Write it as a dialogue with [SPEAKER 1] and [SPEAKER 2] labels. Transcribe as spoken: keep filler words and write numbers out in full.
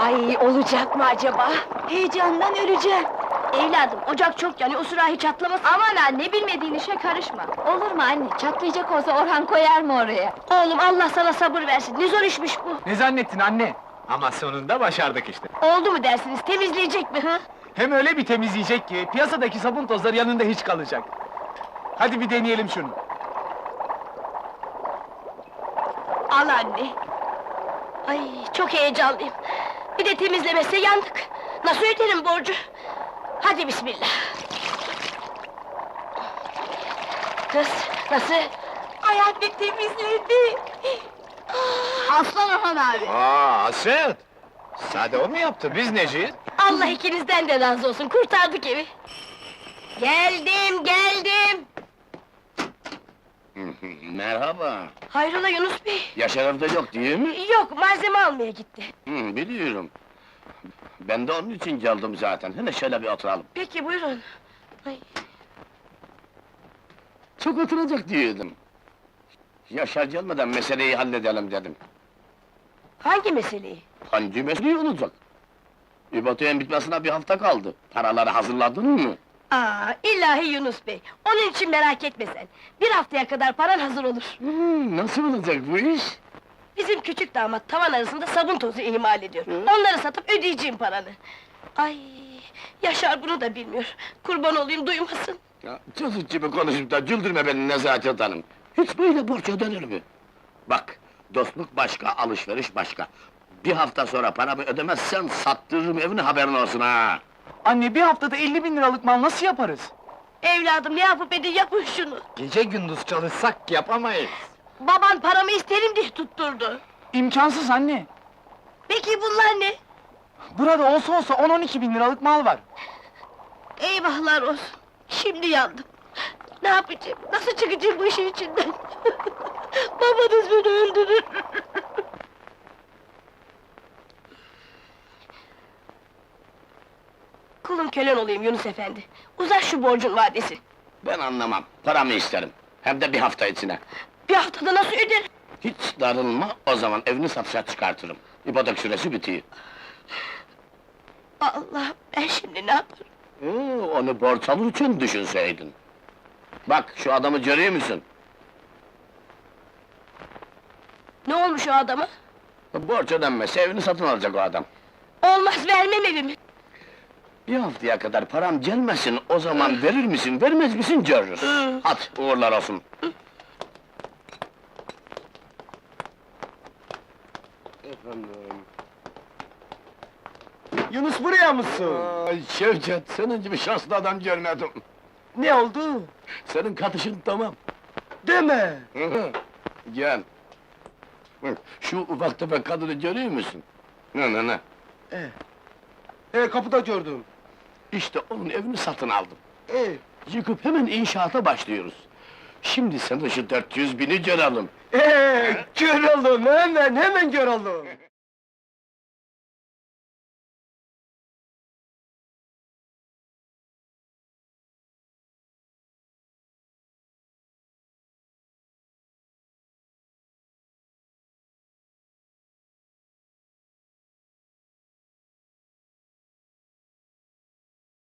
[SPEAKER 1] Ay, olacak mı acaba? Heyecandan öleceğim. Evladım, ocak çok yanıyor, o sürahi çatlamasın.
[SPEAKER 2] Aman anne, bilmediğin işe karışma! Olur mu anne, çatlayacak olsa Orhan koyar mı oraya?
[SPEAKER 1] Oğlum, Allah sana sabır versin, ne zor işmiş bu!
[SPEAKER 3] Ne zannettin anne? Ama sonunda başardık işte.
[SPEAKER 1] Oldu mu dersiniz, temizleyecek mi ha?
[SPEAKER 3] Hem öyle bir temizleyecek ki, piyasadaki sabun tozları yanında hiç kalacak. Hadi bir deneyelim şunu.
[SPEAKER 1] Al anne! Ay, çok heyecanlıyım! Bir de temizlemezse yandık! Nasıl öderim borcu? Hadi bismillah! Kız, nasıl? Ay anne, temizledi!
[SPEAKER 2] Aslan Orhan abi!
[SPEAKER 3] Aa, Hasret! Sade o mu yaptı, biz neciyiz?
[SPEAKER 1] Allah ikinizden de razı olsun, kurtardık evi! Geldim, geldim!
[SPEAKER 4] Merhaba.
[SPEAKER 1] Hayrola Yunus Bey?
[SPEAKER 4] Yaşar evde yok değil mi?
[SPEAKER 1] Yok, malzeme almaya gitti.
[SPEAKER 4] Hı, biliyorum. Ben de onun için geldim zaten. Hele şöyle bir oturalım.
[SPEAKER 1] Peki, buyurun! Ay,
[SPEAKER 4] Çok oturacak diyordum. Yaşar gelmeden meseleyi halledelim dedim.
[SPEAKER 1] hangi meseleyi?
[SPEAKER 4] Hangi meseleyi olacak? İbatiye'nin bitmesine bir hafta kaldı. Paraları hazırladın mı?
[SPEAKER 1] Aa, ilahi Yunus Bey! Onun için merak etme sen! Bir haftaya kadar paran hazır olur!
[SPEAKER 4] Hı, nasıl olacak bu iş?
[SPEAKER 1] Bizim küçük damat tavan arasında sabun tozu imal ediyor. Onları satıp ödeyeceğim paranı. Ay, Yaşar bunu da bilmiyor. Kurban olayım, duymasın.
[SPEAKER 4] Ya, çocuk gibi konuşup da güldürme beni Nezaket Hanım. Hiç böyle borç ödenir mi? Bak, dostluk başka, alışveriş başka. Bir hafta sonra paramı ödemezsen sattırırım evini, haberin olsun ha!
[SPEAKER 3] Anne, bir haftada elli bin liralık mal nasıl yaparız?
[SPEAKER 1] Evladım, ne yapıp edin, yapın şunu!
[SPEAKER 3] Gece gündüz çalışsak yapamayız.
[SPEAKER 1] Baban paramı isterim diye tutturdu!
[SPEAKER 3] İmkansız anne!
[SPEAKER 1] Peki bunlar ne?
[SPEAKER 3] Burada olsa olsa on on iki bin liralık mal var.
[SPEAKER 1] Eyvahlar olsun! Şimdi yandım! Ne yapacağım, nasıl çıkacağım bu işin içinden? Babanız beni öldürür! Kulun kölen olayım Yunus efendi! Uzat şu borcun vadesi!
[SPEAKER 4] Ben anlamam, paramı isterim. Hem de bir hafta içine.
[SPEAKER 1] Bir haftada nasıl öderim?
[SPEAKER 4] Hiç darılma, o zaman evini satışa çıkartırım. İpotek süresi bitiyor.
[SPEAKER 1] Allah, ben şimdi ne yaparım?
[SPEAKER 4] Ee, onu borç alır için düşünseydin. Bak, şu adamı görüyor musun?
[SPEAKER 1] Ne olmuş o adama?
[SPEAKER 4] Borç ödenmezse evini satın alacak o adam.
[SPEAKER 1] Olmaz, vermem evimi!
[SPEAKER 4] Bir haftaya kadar param gelmesin, o zaman verir misin, vermez misin görürüz.
[SPEAKER 1] Hı.
[SPEAKER 4] Hadi, uğurlar olsun. Efendim...
[SPEAKER 3] Yunus, buraya mısın?
[SPEAKER 4] Ay Şevket, senin gibi şanslı adam görmedim.
[SPEAKER 3] Ne oldu?
[SPEAKER 4] Senin katışın tamam.
[SPEAKER 3] Deme!
[SPEAKER 4] Hı hı. Gel. Hı, şu ufak tefek kadını görüyor musun? Ne ne ne?
[SPEAKER 3] E, e kapıda gördüm.
[SPEAKER 4] İşte onun evini satın aldım.
[SPEAKER 3] E,
[SPEAKER 4] Yıkıp hemen inşaata başlıyoruz. Şimdi sen de şu dört yüz bini görelim.
[SPEAKER 3] e, kör oldum, hemen, hemen kör oldum.